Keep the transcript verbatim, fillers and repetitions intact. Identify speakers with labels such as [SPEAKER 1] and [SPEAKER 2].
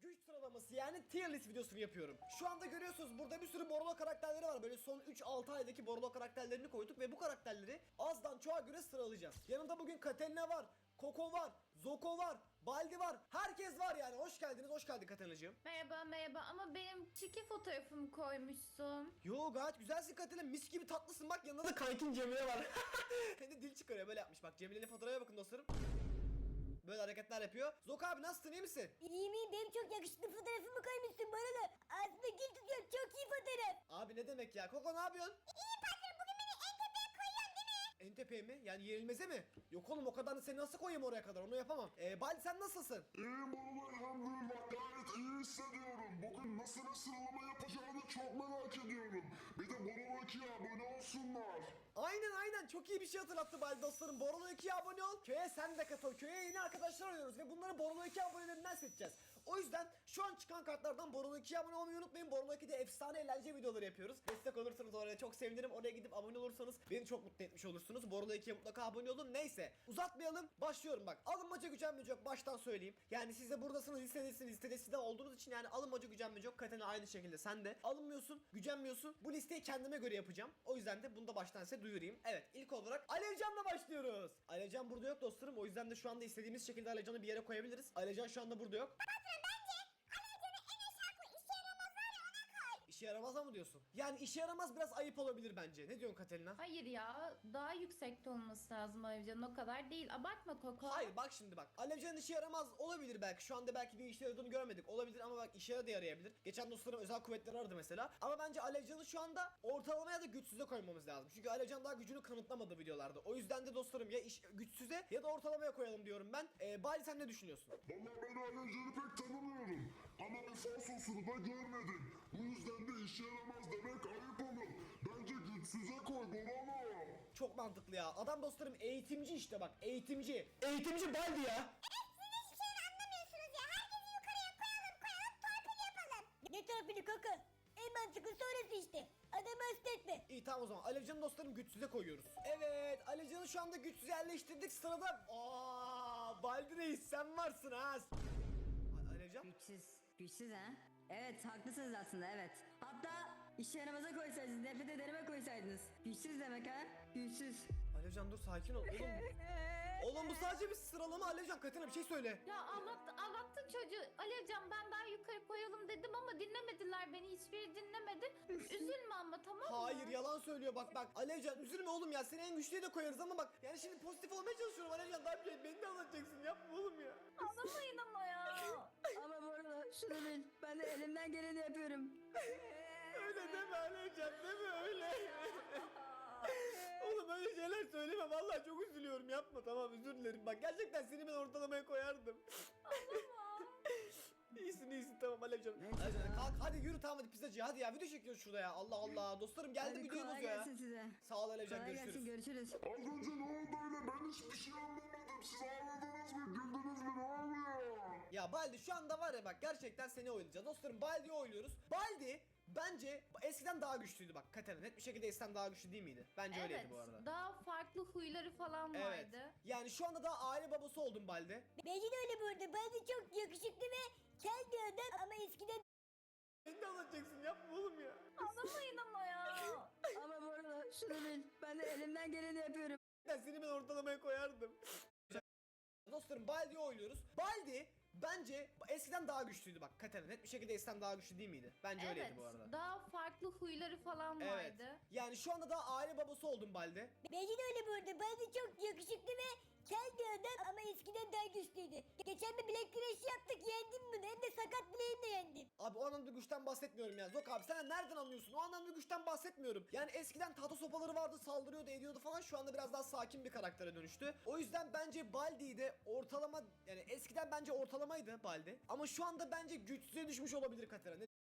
[SPEAKER 1] güç sıralaması yani tier list videosunu yapıyorum. Şu anda görüyorsunuz burada bir sürü Borolo karakterleri var. Böyle son üç altı aydaki Borolo karakterlerini koyduk ve bu karakterleri azdan çoğa göre sıralayacağız. Yanımda bugün Katerina var, Koko var, Zoko var, Baldi var. Herkes var yani. Hoş geldiniz. Hoş geldin Katerinacığım.
[SPEAKER 2] Merhaba merhaba ama benim çiki fotoğrafımı koymuşsun.
[SPEAKER 1] Yo gayet güzelsin Katerina. Mis gibi tatlısın. Bak yanında da kankin Cemile var. Hem de dil çıkarıyor böyle yapmış. Bak Cemile'nin fotoğrafa bakın dostlarım. Böyle hareketler yapıyor. Zoko abi nasılsın, iyi misin?
[SPEAKER 3] İyiyim iyiyim, benim çok yakışıklı fotoğrafımı koymuşsun bana da. Aslında gül tutuyor, çok iyi fotoğraf.
[SPEAKER 1] Abi ne demek ya? Koko ne yapıyorsun?
[SPEAKER 3] İyi patron, bugün beni en tepeye koyuyorsun değil mi?
[SPEAKER 1] En tepeye mi? Yani yenilmeze mi? Yok oğlum, o kadarını seni nasıl koyayım oraya kadar, onu yapamam. Ee, Baldi sen nasılsın?
[SPEAKER 4] İyiyim oğlum, elhamdülillah, gayet iyi hissediyorum. Bugün nasıl bir sıralama yapacağını çok merak ediyorum. Bir de Borolo ikiye abone olsunlar.
[SPEAKER 1] Aynen aynen, çok iyi bir şey hatırlattı Baldi dostlarım. Borolo ikiye abone ol. Köye sen de katıl. Köye yeni arkadaşlar arıyoruz ve bunları Borolo iki abonelerinden seçeceğiz. O yüzden şu an çıkan kartlardan Borolo ikiye abone olmayı unutmayın. Borolo ikide efsane eğlence videoları yapıyoruz. Destek olursanız oraya çok sevinirim. Oraya gidip abone olursanız beni çok mutlu etmiş olursunuz. Borolo ikiye mutlaka abone olun. Neyse uzatmayalım. Başlıyorum bak. Alınmaca gücenmece yok. Baştan söyleyeyim. Yani siz de buradasınız, listedesiniz. Listede sizde olduğunuz için yani alınmaca gücenmece yok. Katerina aynı şekilde sen de. Alınmıyorsun, gücenmiyorsun. Bu listeyi kendime göre yapacağım. O yüzden de bunu da baştan size duyurayım. Evet, ilk olarak Alevcan'la başlıyoruz. Alevcan burada yok dostlarım. O yüzden de şu anda istediğimiz şekilde Alevcan'ı bir yere koyabiliriz. Alevcan şu anda burada yok. İşe yaramaz mı diyorsun? Yani işe yaramaz biraz ayıp olabilir bence. Ne diyorsun Katerina?
[SPEAKER 2] Hayır ya, daha yüksekte olması lazım Ayrıca, o kadar değil. Abartma Koko.
[SPEAKER 1] Hayır bak şimdi bak. Alevcan'ın işe yaramaz olabilir belki. Şu anda belki bir işe yaradığını görmedik. Olabilir ama bak işe de yarayabilir. Geçen dostlarım özel kuvvetleri aradı mesela. Ama bence Alevcan'ı şu anda ortalamaya da güçsüze koymamız lazım. Çünkü Alevcan daha gücünü kanıtlamadı videolarda. O yüzden de dostlarım ya iş, güçsüze ya da ortalamaya koyalım diyorum ben. Ee, Bali sen ne düşünüyorsun?
[SPEAKER 4] Vallahi ben Alevcan'ı pek tanımıyorum. Ama bir falsosunu da görmedim. Bu yüzden de işe yaramaz demek ayıp olur. Bence güçsüze koy Borolo.
[SPEAKER 1] Çok mantıklı ya. Adam dostlarım eğitimci işte bak. Eğitimci. Eğitimci Baldi ya.
[SPEAKER 3] Hiçbir şeyden anlamıyorsunuz ya. Herkesi yukarıya koyalım koyalım, torpil yapalım. Ne torpili Koko? En mantıklı sonrası işte. Adamı hasta etme.
[SPEAKER 1] İyi tamam o zaman. Alevcan'ı dostlarım güçsüze koyuyoruz. Evet, Alevcan'ı şu anda güçsüze yerleştirdik. Sırada Aa, Baldi Reis sen varsın ha. Alevcan?
[SPEAKER 5] Güçsüz. Güçsüz ha? Evet, haklısınız aslında, evet. Hatta işe yaramaza koysaydınız, nefret ederime koysaydınız. Güçsüz demek ha? Güçsüz.
[SPEAKER 1] Alevcan dur sakin ol oğlum. Oğlum bu sadece bir sıralama. Alevcan Katerina bir şey söyle.
[SPEAKER 2] Ya ağlattı, ağlattın çocuğu. Alevcan ben daha yukarı koyalım dedim ama dinlemediler beni. Hiçbiri dinlemedi. Üzülme ama, tamam mı?
[SPEAKER 1] Hayır yalan söylüyor bak bak. Alevcan üzülme oğlum ya. Seni en güçlüye de koyarız ama bak. Yani şimdi pozitif olmaya çalışıyorum Alevcan. Daha bir şey beni de anlatacaksın. Yapma oğlum ya.
[SPEAKER 2] Ağlamayın ama ya.
[SPEAKER 5] Ama bu arada şunu bil, ben de elimden geleni yapıyorum.
[SPEAKER 1] Öyle deme Alevcan, deme öyle. Oğlum öyle şeyler söyleme. Vallahi çok üzülüyorum. Yapma, tamam, özür dilerim. Bak gerçekten seni ben ortalamaya koyardım. İyisin iyisin tamam Alevcan. Alevcan kalk hadi yürü, tamam hadi pizzacıya hadi ya, video çekiyoruz şurada ya. Allah Allah dostlarım geldi
[SPEAKER 5] Hadi
[SPEAKER 1] videomuz
[SPEAKER 5] kolay
[SPEAKER 1] ya.
[SPEAKER 5] gelsin size.
[SPEAKER 1] Sağ ol Alevcan,
[SPEAKER 5] Kolay
[SPEAKER 1] görüşürüz.
[SPEAKER 5] gelsin, görüşürüz.
[SPEAKER 4] Az önce ne oldu öyle? Ben hiçbir şey anlamadım. Siz ağladınız mı? Güldünüz mü? Ne oluyor?
[SPEAKER 1] Ya Baldi şu anda var ya bak, gerçekten seni oynayacağız. Dostlarım Baldi'yi oynuyoruz. Baldi bence eskiden daha güçlüydü bak Katerina. Net bir şekilde eskiden daha güçlü değil miydi? Bence öyleydi
[SPEAKER 2] Evet,
[SPEAKER 1] bu arada.
[SPEAKER 2] daha farklı huyları falan
[SPEAKER 1] Evet.
[SPEAKER 2] vardı.
[SPEAKER 1] Yani şu anda daha aile babası oldun Baldi.
[SPEAKER 3] Bence de öyle bu arada. Ben de çok yakışıklı ve kel bir adam ama eskiden
[SPEAKER 1] Beni de anlatacaksın, yapma oğlum ya.
[SPEAKER 2] Ağlamayın ama ya.
[SPEAKER 5] Ama bu arada şunu bil, ben de elimden geleni yapıyorum.
[SPEAKER 1] Ben seni ben ortalamaya koyardım. Dostlarım Baldi'yi oynuyoruz. Baldi bence eskiden daha güçlüydü bak Katerina. Net bir şekilde eskiden daha güçlü değil miydi? Bence
[SPEAKER 2] Evet,
[SPEAKER 1] öyleydi bu arada.
[SPEAKER 2] daha farklı huyları falan
[SPEAKER 1] Evet.
[SPEAKER 2] vardı.
[SPEAKER 1] Yani şu anda daha aile babası oldun Baldi.
[SPEAKER 3] Bence de öyle bu arada. Ben de çok yakışıklı ve kel bir adam ama eskiden daha güçlüydü. Geçen bir bilek güreşi yaptık, yendim bunu. Hem de sakat bileğimle yendim.
[SPEAKER 1] Abi o anlamda güçten bahsetmiyorum ya. Zok abi sen nereden anlıyorsun? O anlamda güçten bahsetmiyorum. Yani eskiden tahta sopaları vardı, saldırıyordu, ediyordu falan. Şu anda biraz daha sakin bir karaktere dönüştü. O yüzden bence Baldi'yi de ortalama, yani eskiden bence ortalamaydı Baldi. Ama şu anda bence güçsüze düşmüş olabilir Katerina.